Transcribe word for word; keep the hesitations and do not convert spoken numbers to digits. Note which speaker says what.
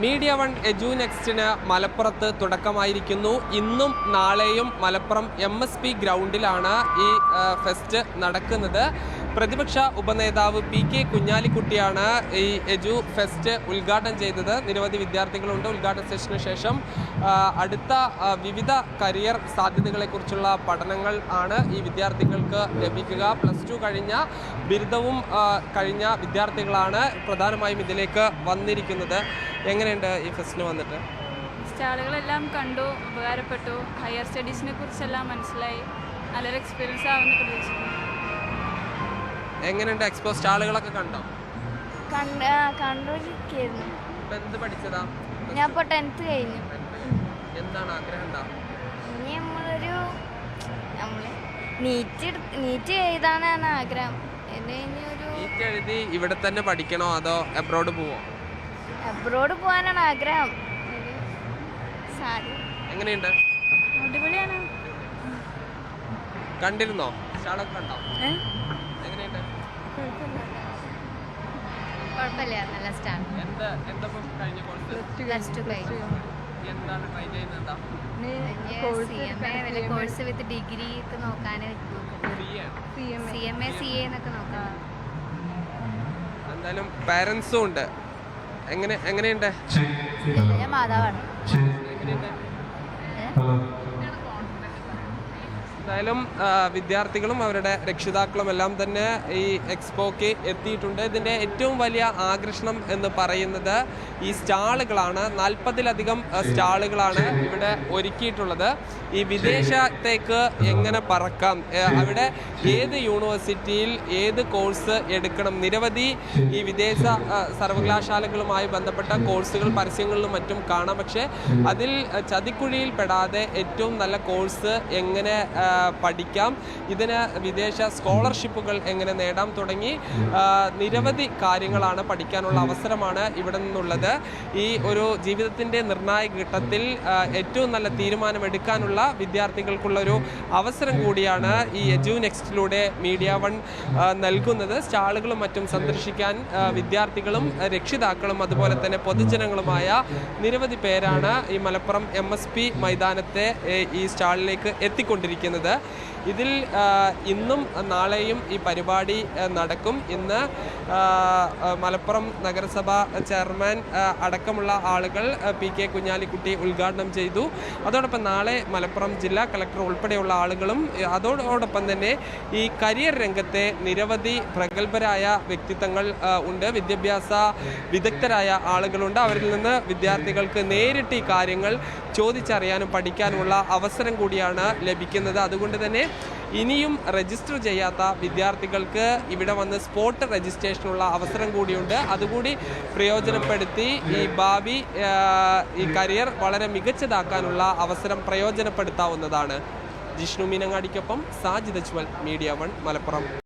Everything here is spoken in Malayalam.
Speaker 1: മീഡിയ വൺ എജു നെക്സ്റ്റിന് മലപ്പുറത്ത് തുടക്കമായിരിക്കുന്നു. ഇന്നും നാളെയും മലപ്പുറം എം എസ് പി ഗ്രൗണ്ടിലാണ് ഈ ഫെസ്റ്റ് നടക്കുന്നത്. പ്രതിപക്ഷ ഉപനേതാവ് പി കെ കുഞ്ഞാലിക്കുട്ടിയാണ് ഈ എജു ഫെസ്റ്റ് ഉദ്ഘാടനം ചെയ്തത്. നിരവധി വിദ്യാർത്ഥികളുണ്ട്. ഉദ്ഘാടന സെഷന് ശേഷം അടുത്ത വിവിധ കരിയർ സാധ്യതകളെക്കുറിച്ചുള്ള പഠനങ്ങൾ ആണ് ഈ വിദ്യാർത്ഥികൾക്ക് ലഭിക്കുക. പ്ലസ് ടു കഴിഞ്ഞ ബിരുദവും കഴിഞ്ഞ വിദ്യാർത്ഥികളാണ് പ്രധാനമായും ഇതിലേക്ക് വന്നിരിക്കുന്നത്. എങ്ങനെയുണ്ട് ഈ ഫെസ്റ്റിന് വന്നിട്ട്?
Speaker 2: സ്റ്റാളുകളെല്ലാം കണ്ടു, ഉപകാരപ്പെട്ടു. ഹയർ സ്റ്റഡീസിനെ കുറിച്ചെല്ലാം മനസ്സിലായി. നല്ലൊരു എക്സ്പീരിയൻസ് ആവുമെന്ന് പ്രതീക്ഷിക്കുന്നു.
Speaker 1: എങ്ങനെയുണ്ട് എക്സ്പോ? സ്റ്റാളുകളൊക്കെ കണ്ടോ?
Speaker 2: കണ്ടുകൊണ്ടിരിക്കുന്നു.
Speaker 1: എന്ത് പഠിച്ചതാ?
Speaker 2: ഞാൻ ഇപ്പോൾ ടെൻത്ത് കഴിഞ്ഞു.
Speaker 1: എന്താണ് ആഗ്രഹം? എന്താ
Speaker 2: ഇനി നമ്മളൊരു നമ്മൾ നീറ്റ് നീറ്റ് എഴുതാനാണ് ആഗ്രഹം.
Speaker 1: നീറ്റ് എഴുതി ഇവിടെ തന്നെ പഠിക്കണോ അതോ അബ്രോഡ് പോവോ?
Speaker 2: അബ്രോഡ് പോകാനാണ് ആഗ്രഹം.
Speaker 1: എങ്ങനെയുണ്ട്?
Speaker 2: അടിപൊളിയാണ്.
Speaker 1: കണ്ടിരുന്നോ? സ്റ്റാളൊക്കെ കണ്ടോ? എങ്ങനെയുണ്ട്?
Speaker 2: കുഴപ്പമില്ല, നല്ല സ്റ്റാൾ.
Speaker 1: എന്താ എന്താ കഴിഞ്ഞ കോഴ്സ്?
Speaker 2: പ്ലസ് ടു കഴിഞ്ഞു.
Speaker 1: എന്താണ് ട്രൈ ചെയ്യുന്നത്?
Speaker 2: കോഴ്സ് വിത്ത് ഡിഗ്രി ഒക്കെ നോക്കാൻ C M A C A എന്നൊക്കെ നോക്കാം.
Speaker 1: എന്തായാലും പാരൻസും ഉണ്ട്. എങ്ങനെ എങ്ങനെയുണ്ട്?
Speaker 2: ഞാൻ മാതാവാണ്.
Speaker 1: എന്തായാലും വിദ്യാർത്ഥികളും അവരുടെ രക്ഷിതാക്കളും എല്ലാം തന്നെ ഈ എക്സ്പോക്ക് എത്തിയിട്ടുണ്ട്. ഇതിൻ്റെ ഏറ്റവും വലിയ ആകർഷണം എന്ന് പറയുന്നത് ഈ സ്റ്റാളുകളാണ്. നാൽപ്പതിലധികം സ്റ്റാളുകളാണ് ഇവിടെ ഒരുക്കിയിട്ടുള്ളത്. ഈ വിദേശത്തേക്ക് എങ്ങനെ പറക്കാം, അവിടെ ഏത് യൂണിവേഴ്സിറ്റിയിൽ ഏത് കോഴ്സ് എടുക്കണം, നിരവധി ഈ വിദേശ സർവകലാശാലകളുമായി ബന്ധപ്പെട്ട കോഴ്സുകൾ പരസ്യങ്ങളിലും മറ്റും കാണാം. പക്ഷേ അതിൽ ചതിക്കുഴിയിൽ പെടാതെ ഏറ്റവും നല്ല കോഴ്സ് എങ്ങനെ പഠിക്കാം, ഇതിന് വിദേശ സ്കോളർഷിപ്പുകൾ എങ്ങനെ നേടാം തുടങ്ങി നിരവധി കാര്യങ്ങളാണ് പഠിക്കാനുള്ള അവസരമാണ് ഇവിടെ നിന്നുള്ളത്. ഈ ഒരു ജീവിതത്തിൻ്റെ നിർണായക ഘട്ടത്തിൽ ഏറ്റവും നല്ല തീരുമാനമെടുക്കാനുള്ള വിദ്യാർത്ഥികൾക്കുള്ളൊരു അവസരം കൂടിയാണ് ഈ എജു നെക്സ്റ്റിലൂടെ മീഡിയ വൺ നൽകുന്നത്. സ്റ്റാളുകളും മറ്റും സന്ദർശിക്കാൻ വിദ്യാർത്ഥികളും രക്ഷിതാക്കളും അതുപോലെ തന്നെ പൊതുജനങ്ങളുമായ നിരവധി പേരാണ് ഈ മലപ്പുറം എം എസ് പി മൈതാനത്തെ ഈ സ്റ്റാളിലേക്ക് എത്തിക്കൊണ്ടിരിക്കുന്നത്. ഇതിൽ ഇന്നും നാളെയും ഈ പരിപാടി നടക്കും. ഇന്ന് മലപ്പുറം നഗരസഭ ചെയർമാൻ അടക്കമുള്ള ആളുകൾ പി കെ കുഞ്ഞാലിക്കുട്ടി ഉദ്ഘാടനം ചെയ്തു. അതോടൊപ്പം നാളെ മലപ്പുറം ജില്ലാ കളക്ടർ ഉൾപ്പെടെയുള്ള ആളുകളും അതോടൊപ്പം തന്നെ ഈ കരിയർ രംഗത്തെ നിരവധി പ്രഗത്ഭരായ വ്യക്തിത്വങ്ങൾ ഉണ്ട്, വിദ്യാഭ്യാസ വിദഗ്ധരായ ആളുകളുണ്ട്. അവരിൽ നിന്ന് വിദ്യാർത്ഥികൾക്ക് നേരിട്ട് ഈ കാര്യങ്ങൾ ചോദിച്ചറിയാനും പഠിക്കാനുമുള്ള അവസരം കൂടിയാണ് ലഭിക്കുന്നത്. അതുകൊണ്ട് തന്നെ ഇനിയും രജിസ്റ്റർ ചെയ്യാത്ത വിദ്യാർത്ഥികൾക്ക് ഇവിടെ വന്ന് സ്പോട്ട് രജിസ്ട്രേഷനുള്ള അവസരം കൂടിയുണ്ട്. അതുകൂടി പ്രയോജനപ്പെടുത്തി ഈ ഭാവി ഈ കരിയർ വളരെ മികച്ചതാക്കാനുള്ള അവസരം പ്രയോജനപ്പെടുത്താവുന്നതാണ്. ജിഷ്ണു മീനങ്ങാടിക്കൊപ്പം സാജിദ് അജ്മൽ, മീഡിയ വൺ, മലപ്പുറം.